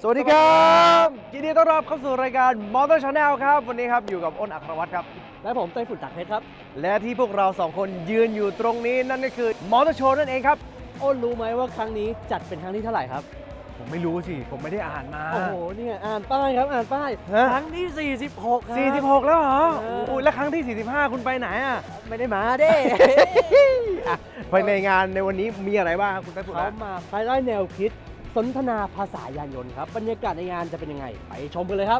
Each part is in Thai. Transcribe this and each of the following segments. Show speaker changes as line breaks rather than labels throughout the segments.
สวัสดีครับยินดีต้อนรับเข้าสู่รายการ Motor Channel ครับวันนี้ครับอยู่กับอ้นอัครวัฒน์ครับ
และผมไต้ฝุ่นตักเพชรครับ
และที่พวกเราสองคนยืนอยู่ตรงนี้นั่นก็คือ Motor Show นั่นเองครับ
อ้นรู้ไหมว่าครั้งนี้จัดเป็นครั้งที่เท่าไหร่ครับ
ผมไม่รู้สิผมไม่ได้อ่านมา
โอ้โหเนี่ยอ่านป้ายครับอ่านป้ายครั้งที่46ครับ
46แล้วเหรออุ้ยแล้วครั้งที่45คุณไปไหนอ่ะ
ไม่ได้มาเด้
ไปในงานในวันนี้มีอะไรบ้างครับคุณไต้ฝุ่น
เขามาภายใต้แนวคิดสนทนาภาษายานยนต์ครับบรรยากาศในงานจะเป็นยังไงไปชมกันเลยครับ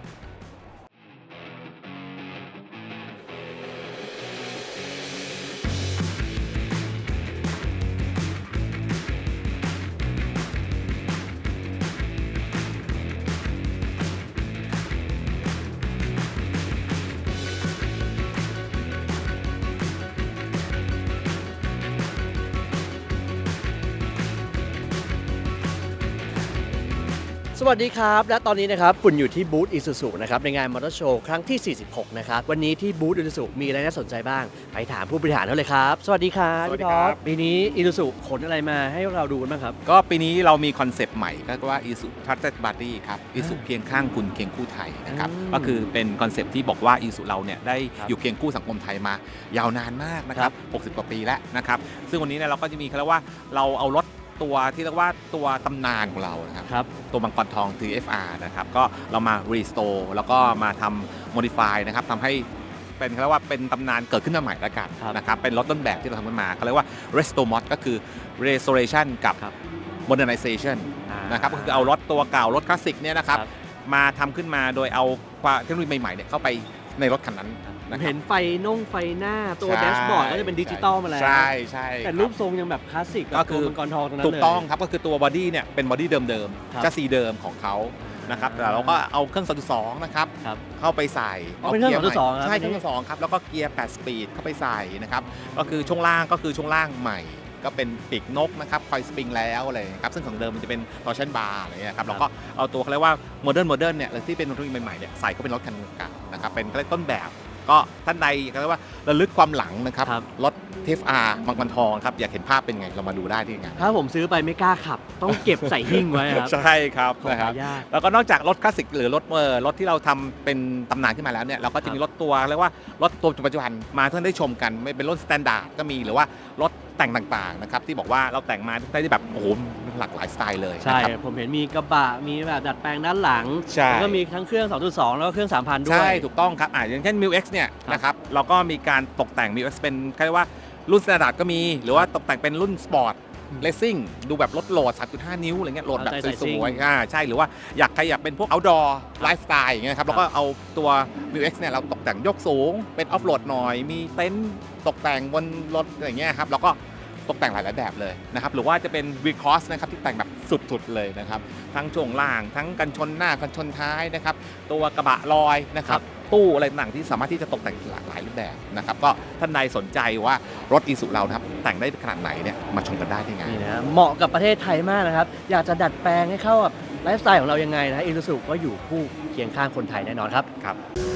สวัสดีครับและตอนนี้นะครับฝุ่นอยู่ที่บูธ Isuzu นะครับในงานมอเตอร์โชว์ครั้งที่46นะครับวันนี้ที่บูธ Isuzu มีอะไรน่าสนใจบ้างไปถามผู้บริหารเขาเลยครับสวัสดีครับ
สวัสดีครับ
ปีนี้ Isuzu ขนอะไรมาให้เราดูกันบ้างครับ
ก็ปีนี้เรามีคอนเซปต์ใหม่ก็ว่า Isuzu Trusted Buddy ครับ Isuzu เคียงข้างคุณเคียงคู่ไทยนะครับก็คือเป็นคอนเซปต์ที่บอกว่า Isuzu เราเนี่ยได้อยู่เคียงคู่สังคมไทยมายาวนานมากนะครับ60 กว่าปีแล้วนะครับซึ่งวันนี้เนี่ยเราก็จะมีเขาเรียกว่าเราเอารถตัวที่เรียกว่าตัวตำนานของเรานะครับตัวมังกรทอง TFR นะครับก็เรามา restore แล้วก็มาทำ modify นะครับทำให้เป็นเขาเรียกว่าเป็นตำนานเกิดขึ้นมาใหม่แล้วกันนะครับเป็นรถต้นแบบที่เราทำขึ้นมาเขาเรียกว่า restore mod ก็คือ restoration กับ modernization นะครับก็คือเอารถตัวเก่ารถคลาสสิกเนี่ยนะครับมาทำขึ้นมาโดยเอาเทคโนโลยีใหม่ๆเนี่ยเข้าไปในรถคันนั้น
เห็นไฟหน้าตัวแดชบอร์ดก็จะเป็นดิจิตอลมาแล้ว
ใช่ใช่
แต่รูปทรงยังแบบคลาสสิก
ก็คือ
มังกรทองตรงนั้นเลย
ถูกต้องครับก็คือตัวบอดี้เนี่ยเป็นบอดี้เดิมๆจะสีเดิมของเขานะครับแต่เราก็เอาเครื่อง 2.2 นะครับเข้าไปใส่
เป็นเครื่อง 2.2
ใช่เครื่อง 2.2 ครับแล้วก็เกียร์8สปีดเข้าไปใส่นะครับก็คือช่วงล่างใหม่ก็เป็นปีกนกนะครับคอยสปริงแล้วอะไรครับซึ่งของเดิมมันจะเป็นตอร์ชันบาร์อะไรเงี้ยครับแล้วก็เอาตัวเขาเรียกว่าโมเดิร์นเนี่ยที่เป็นรถใหม่ๆเนี่ยใส่เข้าเป็นรถคันเก่านะครับเป็นต้นแบบก็ท่านใดก็เรียกว่าระลึกความหลังนะครับรถ TFR มังกรทองครับอยากเห็นภาพเป็นไงเรามาดูได้ที่งาน
ถ้าผมซื้อไปไม่กล้าขับต้องเก็บใส่หิ้งไว้ครับ
ใช่ครับนะครับแล้วก็นอกจากรถคลาสสิกหรือรถที่เราทำเป็นตำนานขึ้นมาแล้วเนี่ยเราก็จะมีรถตัวเรียกว่ารถตัวปัจจุบันมาเพื่อได้ชมกันไม่เป็นรถสแตนดาร์ดก็มีหรือว่ารถแต่งต่างๆนะครับที่บอกว่าเราแต่งมาได้แบบโอ้โหหลากหลายสไตล์เลย
ใช่ผมเห็นมีกระบะมีแบบดัดแปลงด้านหลังแล้วก็มีทั้งเครื่อง 2.2 แล้วก็เครื่อง 3,000 ด้วย
ใช่ถูกต้องครับอย่างเช่น Mil X เนี่ยนะครับเราก็มีการตกแต่ง Mil X เป็นเรียกว่ารุ่นสแตนดาร์ดก็มีหรือว่าตกแต่งเป็นรุ่นสปอร์ตเลสซิ่งดูแบบรถโหลด 3.5 นิ้วอะไรเงี้ยโหลดแบบสวยๆใช่หรือว่าใครอยากเป็นพวก outdoor lifestyle อย่างเงี้ยครับแล้วก็เอาตัว Mil X เนี่ยเราตกแต่งยกสูงเป็นออฟโหลดหน่อยมีเต็นท์ตกแต่งบนรถอะไรเงี้ยครับแล้วก็ตกแต่งหลายๆแบบเลยนะครับหรือว่าจะเป็น V-Cross นะครับที่แต่งแบบสุดๆเลยนะครับทั้งช่วงล่างทั้งกันชนหน้ากันชนท้ายนะครับตัวกระบะลอยนะครับตู้อะไรต่างที่สามารถที่จะตกแต่งหลากหลายรูปแบบนะครับก็ท่านใดสนใจว่ารถ Isuzu เรานะครับแต่งได้ขนาดไหนเนี่ยมาชมกันได้ที่งาน
นี่นะเหมาะกับประเทศไทยมากนะครับอยากจะดัดแปลงให้เข้ากับไลฟ์สไตล์ของเรายังไงนะ Isuzu ก็อยู่คู่เคียงข้างคนไทยแน่นอนครับ